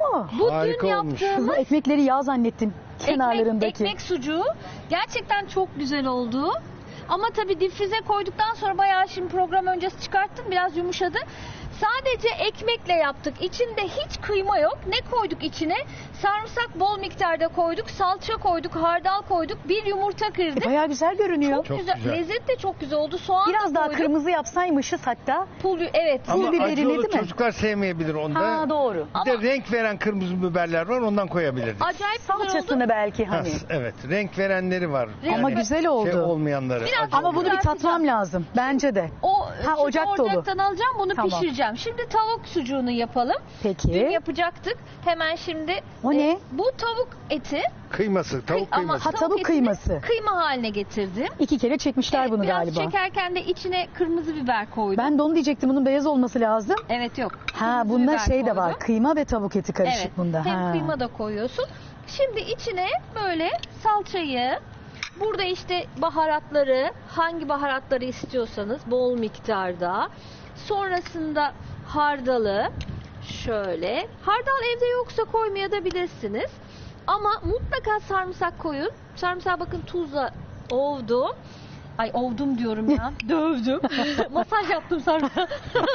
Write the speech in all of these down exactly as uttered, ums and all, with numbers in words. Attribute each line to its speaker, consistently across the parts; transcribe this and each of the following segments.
Speaker 1: Bu
Speaker 2: Harika
Speaker 1: dün
Speaker 2: olmuş.
Speaker 1: yaptığımız
Speaker 3: Kızım ekmekleri yağ zannettim. Kenarlarındaki.
Speaker 1: ekmek, ekmek sucuğu gerçekten çok güzel oldu. Ama tabii difrize koyduktan sonra bayağı şimdi program öncesi çıkarttım. Biraz yumuşadı. Sadece ekmekle yaptık. İçinde hiç kıyma yok. Ne koyduk içine? Sarımsak bol miktarda koyduk. Salça koyduk. Hardal koyduk. Bir yumurta kırdık.
Speaker 3: E, bayağı güzel görünüyor.
Speaker 1: Çok,
Speaker 2: Çok
Speaker 1: güzel.
Speaker 2: güzel.
Speaker 1: Lezzet de çok güzel oldu. Soğan
Speaker 3: Biraz
Speaker 1: da
Speaker 3: daha
Speaker 1: koyduk.
Speaker 3: kırmızı yapsaymışız hatta.
Speaker 1: Pul, evet.
Speaker 2: Ama
Speaker 3: biberi
Speaker 2: acı olur,
Speaker 3: değil mi?
Speaker 2: çocuklar sevmeyebilir onda.
Speaker 3: Ha doğru.
Speaker 2: Bir de renk veren kırmızı biberler var, ondan koyabilirdik.
Speaker 1: Acayip güzel oldu.
Speaker 3: Salçasını belki
Speaker 2: Ha,
Speaker 3: hani.
Speaker 2: evet, renk verenleri var.
Speaker 1: Renk
Speaker 3: Ama
Speaker 1: ve-
Speaker 3: güzel oldu.
Speaker 2: Şey olmayanları.
Speaker 1: Biraz
Speaker 2: acı
Speaker 3: Ama
Speaker 2: oluyor.
Speaker 3: bunu bir tatmam
Speaker 1: Kızartacağım.
Speaker 3: lazım. Bence de.
Speaker 1: O
Speaker 3: Ha,
Speaker 1: şimdi
Speaker 3: ocak dolu.
Speaker 1: ocaktan alacağım, bunu
Speaker 3: Tamam.
Speaker 1: pişireceğim. Şimdi tavuk sucuğunu yapalım.
Speaker 3: Peki.
Speaker 1: Dün yapacaktık. Hemen şimdi.
Speaker 3: O ne?
Speaker 1: Bu tavuk eti.
Speaker 2: Kıyması, tavuk
Speaker 1: Ama
Speaker 2: kıyması.
Speaker 3: Ha, tavuk
Speaker 1: etini
Speaker 3: kıyması.
Speaker 1: Kıyma haline getirdim.
Speaker 3: İki kere çekmişler
Speaker 1: Evet,
Speaker 3: bunu
Speaker 1: biraz
Speaker 3: galiba.
Speaker 1: çekerken de içine kırmızı biber koydum.
Speaker 3: Ben de onu diyecektim. Bunun beyaz olması lazım.
Speaker 1: Evet yok.
Speaker 3: Ha
Speaker 1: Kırmızı
Speaker 3: bunda
Speaker 1: biber
Speaker 3: şey de var.
Speaker 1: koydum.
Speaker 3: Kıyma ve tavuk eti karışık
Speaker 1: Evet.
Speaker 3: bunda.
Speaker 1: Hem
Speaker 3: Ha.
Speaker 1: kıyma da koyuyorsun. Şimdi içine böyle salçayı, burada işte baharatları, hangi baharatları istiyorsanız bol miktarda. Sonrasında hardalı şöyle. Hardal evde yoksa koymayabilirsiniz. Ama mutlaka sarımsak koyun. Sarımsağı bakın tuzla ovdum. Ay ovdum diyorum ya. Dövdüm. Masaj yaptım sarımsağı.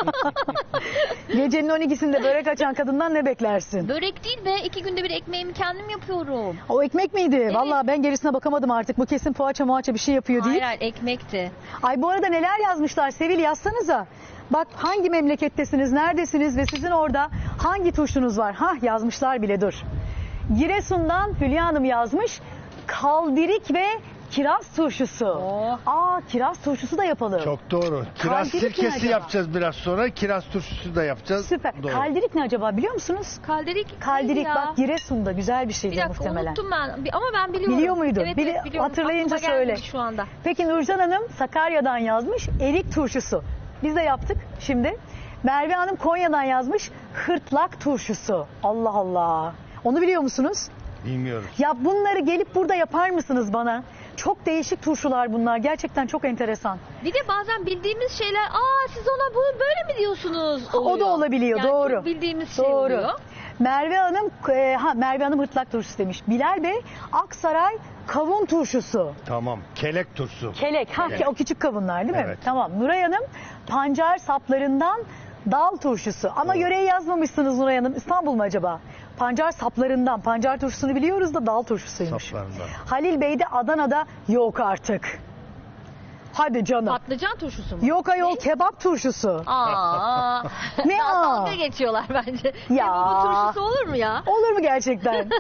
Speaker 3: Gecenin on ikisinde börek açan kadından ne beklersin?
Speaker 1: Börek değil be. iki günde bir ekmeğimi kendim yapıyorum.
Speaker 3: O ekmek miydi? Vallahi ben gerisine bakamadım artık. Bu kesin poğaça muhaça bir şey yapıyor
Speaker 1: Hayır
Speaker 3: değil.
Speaker 1: hayır ekmekti.
Speaker 3: Ay bu arada neler yazmışlar Sevil, yazsanıza. Bak hangi memlekettesiniz, neredesiniz ve sizin orada hangi tuşunuz var? Hah yazmışlar bile, dur. Giresun'dan Hülya Hanım yazmış. Kaldirik ve kiraz turşusu.
Speaker 1: Oh.
Speaker 3: Aa, kiraz turşusu da yapalım.
Speaker 2: Çok doğru. Kiraz
Speaker 3: Kaldirik mi
Speaker 2: sirkesi
Speaker 3: acaba?
Speaker 2: yapacağız biraz sonra. Kiraz turşusu da yapacağız.
Speaker 3: Süper.
Speaker 2: Doğru.
Speaker 3: Kaldirik ne acaba biliyor musunuz?
Speaker 1: Kalderik.
Speaker 3: Kaldirik
Speaker 1: neydi ya?
Speaker 3: bak Giresun'da güzel bir
Speaker 1: Bir
Speaker 3: şeydi
Speaker 1: dakika
Speaker 3: muhtemelen.
Speaker 1: unuttum ben. Bir- Ama ben biliyorum.
Speaker 3: Biliyor muydun?
Speaker 1: Evet,
Speaker 3: Bili-
Speaker 1: evet biliyorum.
Speaker 3: hatırlayınca
Speaker 1: Aklıma gelmedi
Speaker 3: söyle.
Speaker 1: şu anda.
Speaker 3: Peki Nurcan Hanım Sakarya'dan yazmış erik turşusu. Biz de yaptık şimdi. Merve Hanım Konya'dan yazmış hırtlak turşusu. Allah Allah. Onu biliyor musunuz?
Speaker 2: Bilmiyoruz.
Speaker 3: Ya bunları gelip burada yapar mısınız bana? Çok değişik turşular bunlar. Gerçekten çok enteresan.
Speaker 1: Bir de bazen bildiğimiz şeyler, aa siz ona bu böyle mi diyorsunuz oluyor.
Speaker 3: O da olabiliyor,
Speaker 1: Yani
Speaker 3: doğru.
Speaker 1: çok bildiğimiz şey
Speaker 3: Doğru.
Speaker 1: oluyor.
Speaker 3: Merve Hanım e, ha Merve Hanım hırtlak turşusu demiş. Bilal Bey Aksaray kavun turşusu.
Speaker 2: Tamam. Kelek turşusu.
Speaker 3: Kelek. Ha,
Speaker 2: Kelek.
Speaker 3: o küçük kavunlar değil mi?
Speaker 2: Evet.
Speaker 3: Tamam. Nuray Hanım pancar saplarından dal turşusu. Ama
Speaker 2: Doğru.
Speaker 3: yöreyi yazmamışsınız Nuray Hanım. İstanbul mu acaba? Pancar saplarından. Pancar turşusunu biliyoruz da dal turşusuymuş.
Speaker 2: Saplarından.
Speaker 3: Halil Bey de Adana'da yok artık. Hadi canım.
Speaker 1: Patlıcan turşusu mu?
Speaker 3: Yok ayol, kebap turşusu.
Speaker 1: Aa.
Speaker 3: Ne
Speaker 1: Daha
Speaker 3: aa?
Speaker 1: dalga geçiyorlar bence.
Speaker 3: Ya.
Speaker 1: Kebabı turşusu olur mu ya?
Speaker 3: Olur mu gerçekten?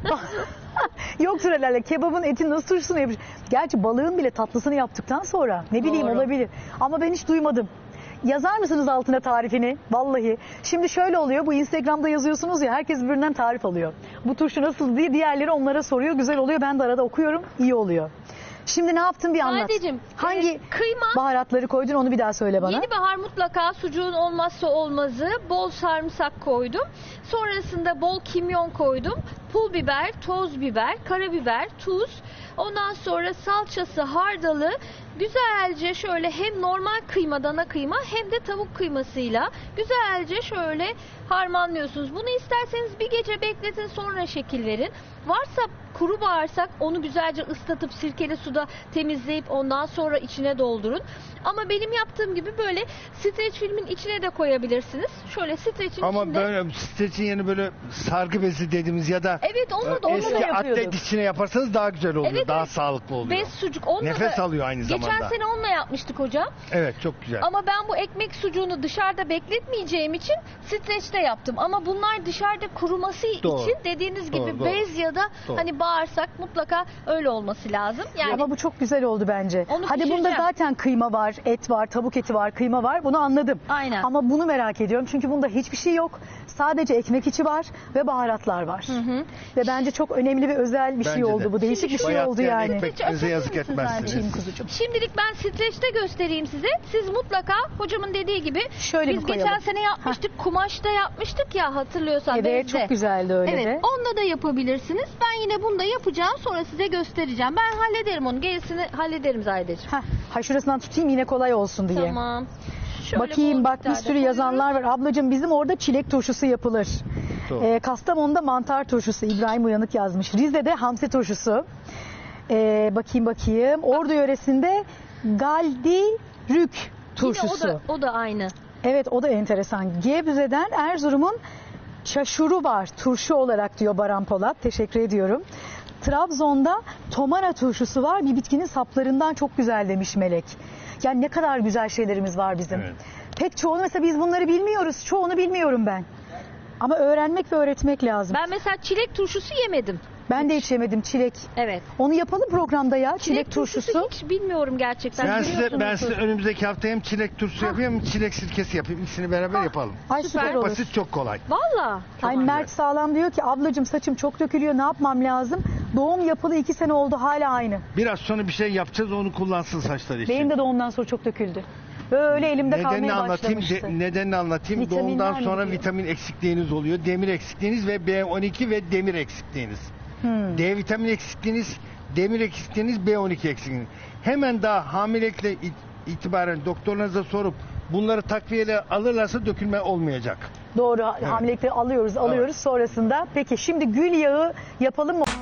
Speaker 3: Yoktur herhalde. Kebabın etin nasıl turşusunu yapmış? Gerçi balığın bile tatlısını yaptıktan sonra ne bileyim
Speaker 1: Doğru.
Speaker 3: olabilir. Ama ben hiç duymadım. Yazar mısınız altına tarifini? Vallahi. Şimdi şöyle oluyor. Bu Instagram'da yazıyorsunuz ya, herkes birbirinden tarif alıyor. Bu turşu nasıl diye diğerleri onlara soruyor. Güzel oluyor. Ben de arada okuyorum. İyi oluyor. Şimdi ne yaptın bir anlat.
Speaker 1: Sadeciğim,
Speaker 3: Hangi
Speaker 1: e, kıyma,
Speaker 3: baharatları koydun onu bir daha söyle bana.
Speaker 1: yeni bahar mutlaka sucuğun olmazsa olmazı. Bol sarımsak koydum. Sonrasında bol kimyon koydum. Pul biber, toz biber, karabiber, tuz. Ondan sonra salçası, hardalı. Güzelce şöyle hem normal kıyma, dana kıyma hem de tavuk kıymasıyla güzelce şöyle harmanlıyorsunuz. Bunu isterseniz bir gece bekletin, sonra şekil verin. Varsa kuru bağırsak onu güzelce ıslatıp sirkeli suda temizleyip ondan sonra içine doldurun. Ama benim yaptığım gibi böyle streç filmin içine de koyabilirsiniz. Şöyle streçin
Speaker 2: Ama
Speaker 1: içinde.
Speaker 2: böyle streçin yerine böyle sargı bezi dediğimiz ya da
Speaker 1: Evet onu da, onu da
Speaker 2: eski
Speaker 3: yapıyorduk.
Speaker 2: atlet içine yaparsanız daha güzel oluyor.
Speaker 1: Evet,
Speaker 2: daha
Speaker 1: evet.
Speaker 2: sağlıklı oluyor.
Speaker 1: Bez sucuk. Onunla
Speaker 2: Nefes
Speaker 1: da,
Speaker 2: alıyor aynı zamanda.
Speaker 1: Geçen sene onunla yapmıştık hocam.
Speaker 2: Evet, çok güzel.
Speaker 1: Ama ben bu ekmek sucuğunu dışarıda bekletmeyeceğim için streçte yaptım. Ama bunlar dışarıda kuruması
Speaker 2: Doğru.
Speaker 1: için dediğiniz gibi
Speaker 2: Doğru, doğru.
Speaker 1: bez ya da
Speaker 2: Doğru.
Speaker 1: hani bağırsak mutlaka öyle olması lazım. Yani
Speaker 3: Ama bu çok güzel oldu bence.
Speaker 1: Onu
Speaker 3: Hadi bunda
Speaker 1: pişireceğim.
Speaker 3: zaten kıyma var, et var, tavuk eti var, kıyma var. Bunu anladım.
Speaker 1: Aynen.
Speaker 3: Ama bunu merak ediyorum. Çünkü bunda hiçbir şey yok. Sadece ekmek içi var ve baharatlar var.
Speaker 1: Hı hı.
Speaker 3: Ve bence çok önemli ve özel bir şey
Speaker 2: Bence
Speaker 3: oldu
Speaker 2: de.
Speaker 3: bu. Değişik bir şey
Speaker 2: Bayat
Speaker 3: oldu
Speaker 2: yani
Speaker 3: yani.
Speaker 2: ekmeklerinize yazık
Speaker 1: Açabilir misiniz
Speaker 2: etmezsiniz.
Speaker 3: Açayım kuzucuğum.
Speaker 1: Şimdilik ben streçte göstereyim size. Siz mutlaka hocamın dediği gibi
Speaker 3: Şöyle
Speaker 1: biz
Speaker 3: mi koyalım?
Speaker 1: geçen sene yapmıştık. Kumaşta yapmıştık ya, hatırlıyorsan.
Speaker 3: Evet,
Speaker 1: bezde.
Speaker 3: çok güzeldi öyle
Speaker 1: Evet,
Speaker 3: de.
Speaker 1: onunla da yapabilirsiniz. Ben yine bunu da yapacağım. Sonra size göstereceğim. Ben hallederim onu. Gerisini hallederim Zahideciğim.
Speaker 3: Heh, ha şurasından tutayım yine kolay olsun diye.
Speaker 1: Tamam. Şöyle
Speaker 3: Bakayım
Speaker 1: bol
Speaker 3: bak bir
Speaker 1: miktarda
Speaker 3: sürü yazanlar var.
Speaker 1: koyuyorum.
Speaker 3: Ablacığım bizim orada çilek turşusu yapılır.
Speaker 2: Doğru.
Speaker 3: Ee, Kastamonu'da mantar turşusu, İbrahim Uyanık yazmış. Rize'de hamsi turşusu. Ee, bakayım bakayım. Ordu yöresinde galdirük turşusu.
Speaker 1: Yine o da, o da aynı.
Speaker 3: Evet, o da enteresan. Gebze'den Erzurum'un çaşuru var turşu olarak diyor Baran Polat. Teşekkür ediyorum. Trabzon'da tomana turşusu var. Bir bitkinin saplarından çok güzel demiş Melek. Yani ne kadar güzel şeylerimiz var bizim.
Speaker 2: Evet.
Speaker 3: Pek çoğunu mesela biz bunları bilmiyoruz. Çoğunu bilmiyorum ben. Ama öğrenmek ve öğretmek lazım.
Speaker 1: Ben mesela çilek turşusu yemedim.
Speaker 3: Ben de hiç yemedim çilek.
Speaker 1: Evet.
Speaker 3: Onu yapalım programda ya. Çilek, turşusu.
Speaker 1: hiç bilmiyorum gerçekten.
Speaker 2: Ben size, ben
Speaker 1: Biliyorsunuzdur.
Speaker 2: size önümüzdeki hafta hem çilek turşusu yapayım hem çilek sirkesi yapayım. İkisini beraber yapalım.
Speaker 3: Ay süper,
Speaker 1: Süper.
Speaker 3: olur.
Speaker 2: Basit, çok kolay.
Speaker 1: Valla.
Speaker 3: Ay
Speaker 2: güzel.
Speaker 3: Mert Sağlam diyor ki ablacığım saçım çok dökülüyor, ne yapmam lazım? Doğum yapılı iki sene oldu, hala aynı.
Speaker 2: Biraz sonra bir şey yapacağız, onu kullansın saçları için.
Speaker 3: Benim de doğumdan sonra çok döküldü. Böyle elimde
Speaker 2: Nedenini
Speaker 3: kalmaya
Speaker 2: anlatayım,
Speaker 3: başlamıştı.
Speaker 2: de, nedenini anlatayım.
Speaker 3: Vitaminler
Speaker 2: Doğumdan
Speaker 3: mi
Speaker 2: sonra
Speaker 3: diyor?
Speaker 2: vitamin eksikliğiniz oluyor. Demir eksikliğiniz ve B on iki ve demir eksikliğiniz.
Speaker 3: Hmm.
Speaker 2: D vitamini eksikliğiniz, demir eksikliğiniz, B on iki eksikliğiniz. Hemen daha hamilelikle it- itibaren doktorlarınıza sorup bunları takviyeyle alırlarsa dökülme olmayacak.
Speaker 3: Doğru, hamilelikleri alıyoruz, alıyoruz sonrasında. Peki şimdi gül yağı yapalım mı?